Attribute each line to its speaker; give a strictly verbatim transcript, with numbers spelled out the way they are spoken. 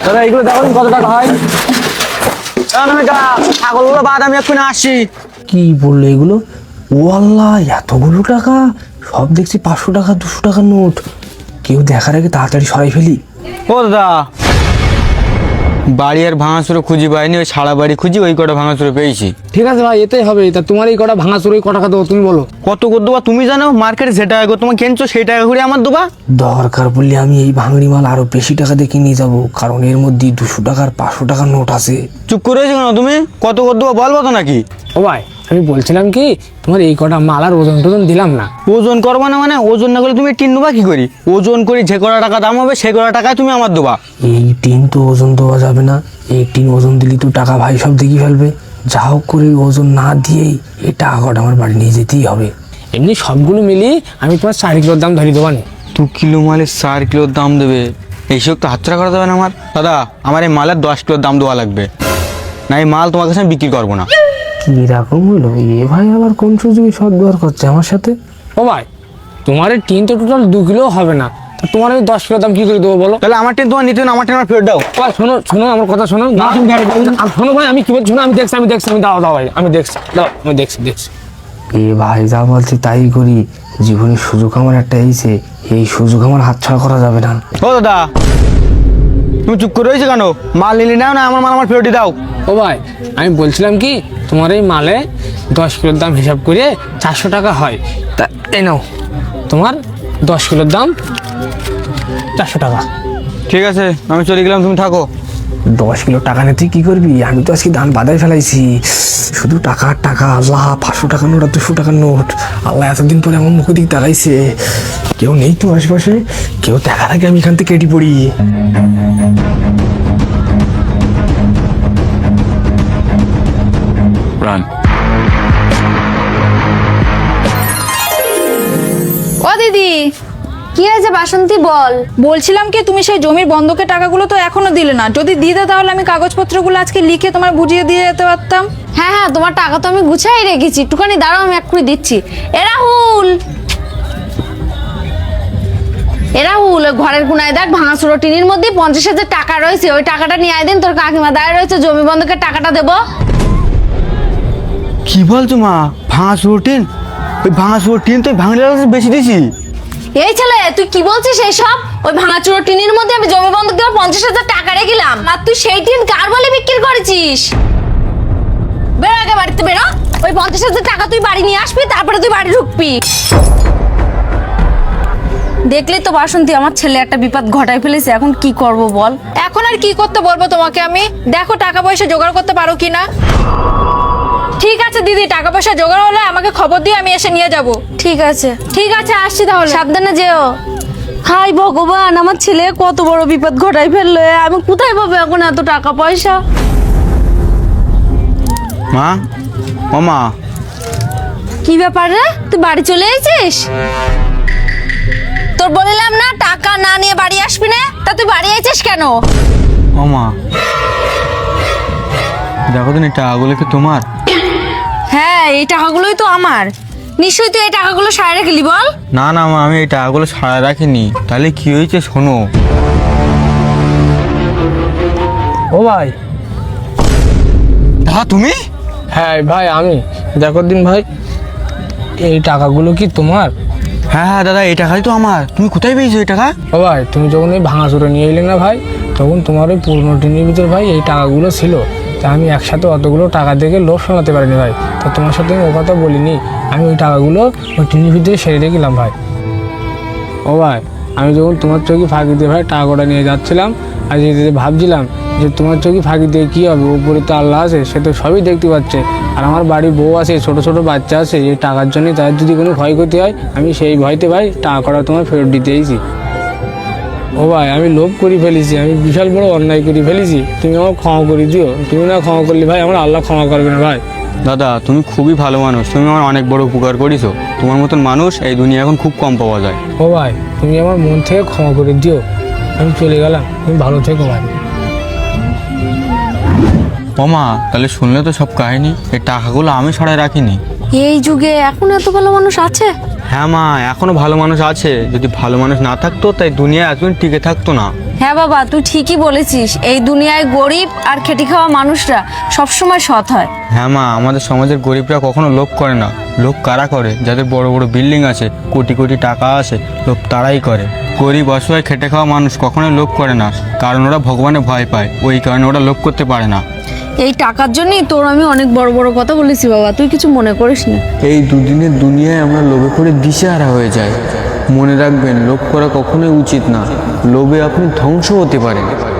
Speaker 1: দাদা এগুলো দেখো কত টাকা হয়। ছাগলগুলো বাদ আমি এক্ষুনি আসছি।
Speaker 2: কি বললো এগুলো? ও আল্লাহ, এতগুলো টাকা! সব দেখছি পাঁচশো টাকা দুশো টাকার নোট। কেউ দেখার আগে তাড়াতাড়ি সরাই ফেলি।
Speaker 1: ও দাদা, বাড়ি আর ভাঙাচুরো খুঁজি পাইনি, ওই সারা বাড়ি খুঁজি, ওই কটা ভাঙাচুরো পেয়েছি।
Speaker 2: ঠিক আছে ভাই, এতেই হবে। তা তোমার এই কটা ভাঙা চুরোই ক টাকা দেবো তুমি বলো?
Speaker 1: কত করে দেবা তুমি জানো? মার্কেটে যে টাকা তোমার কিনছো সেই টাকা করে আমার দেবা।
Speaker 2: দরকার পড়লে আমি এই ভাঙড়ি মাল আরো বেশি টাকা দিয়ে নিয়ে যাবো, কারণ এর মধ্যে দুশো টাকার পাঁচশো টাকার নোট আছে।
Speaker 1: চুপ করে রয়েছো কেন তুমি? কত করে দেবো বলবো তো নাকি?
Speaker 2: ও ভাই, আমি বলছিলাম কি, তোমার এই কটা মাল আর ওজন টোজন দিলাম না।
Speaker 1: ওজন করবো না মানে? ওজন না করলে তুমি টিন দেবা কি করি? ওজন করি যে কটা টাকা দাম হবে সেই কটা টাকায় তুমি আমার দেবা।
Speaker 2: এই টিন তো ওজন দেওয়া যাবে না। এই টিন ওজন দিলি তো টাকা ভাই সব দেখি ফেলবে। যা হোক করে ওজন না দিয়েই এই টাকা কটা আমার বাড়ি নিয়ে যেতেই হবে। এমনি সবগুলো মিলিয়ে আমি তোমার চার কিলোর দাম ধরিয়ে দেবো না।
Speaker 1: দু কিলো মালের চার কিলোর দাম দেবে? এইসব তো হাতছাড়া করা যাবে না আমার। দাদা, আমার এই মালের দশ কিলোর দাম দেওয়া লাগবে, না এই মাল তোমার কাছে আমি বিক্রি করবো না।
Speaker 2: কিরকম হলো এ ভাই? আবার কোন সুযোগে সদ্ব্যবহার করছে আমার সাথে? ও ভাই, তোমার এই টিন তো টোটাল দু কিলো হবে না, তা তোমার আমি দশ কিলো দাম কি করে দেবো বলো?
Speaker 1: তাহলে আমার টিন তোমার নিতে না, আমার টিন আমার ফেরত দাও।
Speaker 2: ভাই শোনো শোনো, আমার কথা শোনো না। শোনো ভাই, আমি কি বলছি শোনো, আমি দেখছি আমি দেখছি আমি দাও দাও ভাই, আমি দেখছি দাও, আমি দেখছি দেখছি এ ভাই যা বলছি তাই করি। জীবনের সুযোগ আমার একটা এইছে, এই সুযোগ আমার হাতছাড়া করা যাবে না।
Speaker 1: ও দাদা, তুমি চুপ করে রয়েছো কেন? মাল নিলি নাও না, আমার মাল আমার ফেরত দাও।
Speaker 2: ও ভাই, আমি বলছিলাম কি, তোমার এই মালে দশ কিলোর দাম হিসাব করে চারশো টাকা হয়, তা এই নাও তোমার দশ কিলোর দাম চারশো টাকা।
Speaker 1: ঠিক আছে, আমি চলে গেলাম, তুমি থাকো।
Speaker 2: দশ কিলো টাকা নিয়ে তুই কি করবি? আমি তো আজকে দান বাদায় ফেলাইছি। শুধু টাকা আর টাকা। আল্লাহ, পাঁচশো টাকার নোট আর দুশো টাকার নোট। আল্লাহ এতদিন পরে আমার মুখের দিক তাকাইছে। কেউ নেই তো আশেপাশে? কেউ দেখার আগে আমি এখান থেকে কেটে পড়ি।
Speaker 1: রান।
Speaker 3: ও দিদি,
Speaker 4: কি হয়েছে বাসন্তী বল?
Speaker 3: বলছিলাম কি, তুমি সেই জমির বন্ধকের টাকাগুলো তো এখনো দিলে না। যদি দিতে তাহলে আমি কাগজপত্রগুলো আজকে লিখে তোমার বুঝিয়ে দিয়ে যেতে পারতাম।
Speaker 4: হ্যাঁ হ্যাঁ, তোমার টাকা তো আমি গুছাই রেখেছি, একটুখানি দাঁড়াও, আমি এক্ষুনি দিচ্ছি। এ রাহুল, এ রাহুল, ওই ঘরের কোনায় দেখ ভাঙাচুরো টিনের মধ্যে পঞ্চাশ হাজার টাকা রয়েছে, ওই টাকাটা নিয়ে আয় দিন। তোর কাকিমা দাঁড়িয়ে রয়েছে, জমি বন্ধকের টাকাটা দেবো।
Speaker 1: কি বলছো মা? ভাঙা চুরো টিন? ওই ভাঙা চুরো টিন তো ভাঙলে বেশি দিছি।
Speaker 4: এই ছেলে, তুই কি বলছিস এইসব? ওই ভাঙাচুরো টিনের মধ্যে আমি জমি বন্ধক দিয়ে পঞ্চাশ হাজার টাকা রেখেছিলাম, আর তুই সেই টিন কার বলে বিক্রি করেছিস? বেরো আগে বাড়িতে বেরো। ওই পঞ্চাশ হাজার টাকা তুই বাড়ি নিয়ে আসবি, তারপরে তুই বাড়ি ঢুকবি।
Speaker 3: দেখলে তো বাসন্তী, আমার ছেলে একটা বিপদ ঘটাই ফেলেছে। এখন কি করব বল? এখন আর কি করতে বলবো তোমাকে আমি? দেখো টাকা পয়সা জোগাড় করতে পারো কিনা। ঠিক আছে দিদি, টাকা পয়সা জোগাড় হলে আমাকে খবর দিয়ে আমি এসে নিয়ে যাব।
Speaker 4: ঠিক আছে,
Speaker 3: ঠিক আছে, আসছি তাহলে।
Speaker 4: সাবধানে যেও। হাই ভগবান, আমার ছেলে কত বড় বিপদ ঘটাই ফেললো। আমি কোথায় পাবো এখন এত টাকা পয়সা?
Speaker 1: মা, ও মা।
Speaker 4: কি ব্যাপার রে, তুই বাড়ি চলে এসেছিস? তোর বললাম না টাকা না নিয়ে বাড়ি আসবি না, তা তুই বাড়ি এসেছিস কেন?
Speaker 1: ও মা, দেখো তো এই টাকাগুলো কি তোমার?
Speaker 3: হ্যাঁ, এই টাকাগুলোই তো আমার।
Speaker 4: নিশ্চয়ই তুই এই টাকাগুলো সারা রেখেলি, বল।
Speaker 1: না না মা, আমি এই টাকাগুলো ছাড়া রাখিনি। তাহলে কি হয়েছে শোনো।
Speaker 2: ও ভাই।
Speaker 1: দাদা তুমি?
Speaker 2: হ্যাঁ ভাই, আমি। দেখো দিন ভাই, এই টাকাগুলো কি তোমার?
Speaker 1: হ্যাঁ হ্যাঁ দাদা, এই টাকাই তো আমার। তুমি কোথায় পেয়েছো এই টাকা?
Speaker 2: ও ভাই, তুমি যখন এই ভাঙাচুরো নিয়ে এলে না ভাই, তখন তোমার ওই পুরনো টিনের ভিতর ভাই এই টাকাগুলো ছিল। তা আমি একসাথে অতগুলো টাকা দেখে লোভ সামলাতে পারিনি ভাই। তা তোমার সাথে আমি ও কথা বলিনি। আমি ওই টাকাগুলো ওই টিনের ভিতরে সেরে রেখেছিলাম ভাই। ও ভাই, আমি যখন তোমার চোখে ফাঁকি দিয়ে ভাই টাকাটা নিয়ে যাচ্ছিলাম, আর যেতে ভাবছিলাম যে তোমার চোখে ফাঁকি দিয়ে কী হবে, উপরে তো আল্লাহ আছে, সে তো সবই দেখতে পাচ্ছে। আর আমার বাড়ির বউ আছে, ছোট ছোট বাচ্চা আছে, এই টাকার জন্য তাদের যদি কোনো ক্ষয়ক্ষতি হয়, আমি সেই ভয়তে ভাই টাকাটা তোমার ফেরত দিতে এসেছি। ও ভাই, আমি লোভ করে ফেলেছি, আমি বিশাল বড় অন্যায় করে ফেলেছি। তুমি আমার ক্ষমা করে দিও। তুমি না ক্ষমা করলে ভাই আমার আল্লাহ ক্ষমা করবে না ভাই।
Speaker 1: দাদা তুমি খুবই ভালো মানুষ, তুমি আমার অনেক বড় উপকার করেছো। তোমার মতন মানুষ এই দুনিয়া এখন খুব কম পাওয়া যায়।
Speaker 2: ও ভাই, তুমি আমার মন থেকে ক্ষমা করে দিও। আমি চলে গেলাম, তুমি ভালো থেকো ভাই।
Speaker 1: ও মা, তাহলে শুনলে তো সব কাহিনী। এই টাকাগুলো আমি ছাড়াই রাখিনি।
Speaker 4: এই যুগে এখন এত ভালো মানুষ আছে?
Speaker 1: হ্যাঁ মা, এখনো ভালো মানুষ আছে। যদি ভালো মানুষ না থাকতো তাই দুনিয়া এতদিন টিকে থাকতো না।
Speaker 3: হ্যাঁ বাবা, তুই ঠিকই বলেছিস। এই দুনিয়ায় গরিব আর খেটে খাওয়া মানুষরা সবসময় সৎ হয়।
Speaker 1: হ্যাঁ মা, আমাদের সমাজের গরিবরা কখনো লোভ করে না। লোভ কারা করে? যাদের বড় বড় বিল্ডিং আছে, কোটি কোটি টাকা আছে, লোভ তারাই করে। গরিব অসহায় খেটে খাওয়া মানুষ কখনোই লোভ করে না, কারণ ওরা ভগবানে ভয় পায়, ওই কারণে ওরা লোভ করতে পারে না।
Speaker 3: এই টাকার জন্যই তোর আমি অনেক বড় বড় কথা বলেছি বাবা, তুই কিছু মনে করিস না।
Speaker 1: এই দুদিনের দুনিয়ায় আমরা লোভে পড়ে দিশেহারা হয়ে যাই। মনে রাখবেন, লোভ করা কখনোই উচিত না। লোভে আপনি ধ্বংস হতে পারেন।